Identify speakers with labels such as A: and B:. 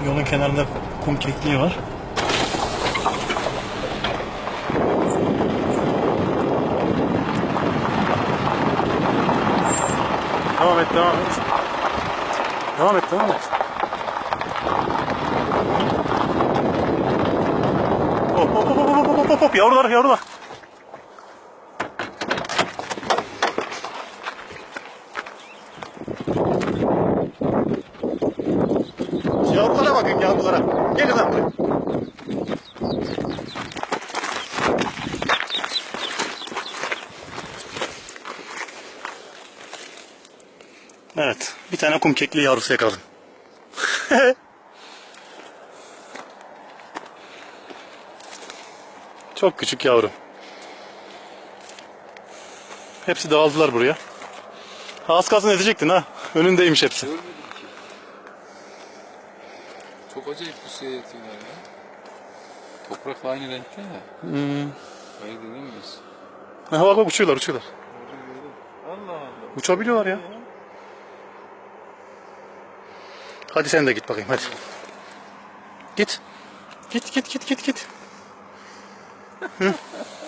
A: Yolun kenarında kum kekliği var. Devam et, devam et. Devam et, devam et. Hop hop hop hop hop hop hop, yavrular, yavrular. Yavrulara bakın, yavrulara. Gelin lan buraya. Evet, bir tane kum kekliği yavrusu yakaladım. Çok küçük yavru. Hepsi dağıldılar buraya. Az kalsın ezecektin ha. Önündeymiş hepsi.
B: Görmedim ki. Çok acayip bir suya yatıyorlar ya. Toprakla aynı renkte ya. Hayır dinlemiyoruz.
A: Ha bak bak, uçuyorlar, uçuyorlar.
B: Allah Allah.
A: Uçabiliyorlar ya. Hadi sen de git bakayım, hadi. Git. Git git git git git. Hı.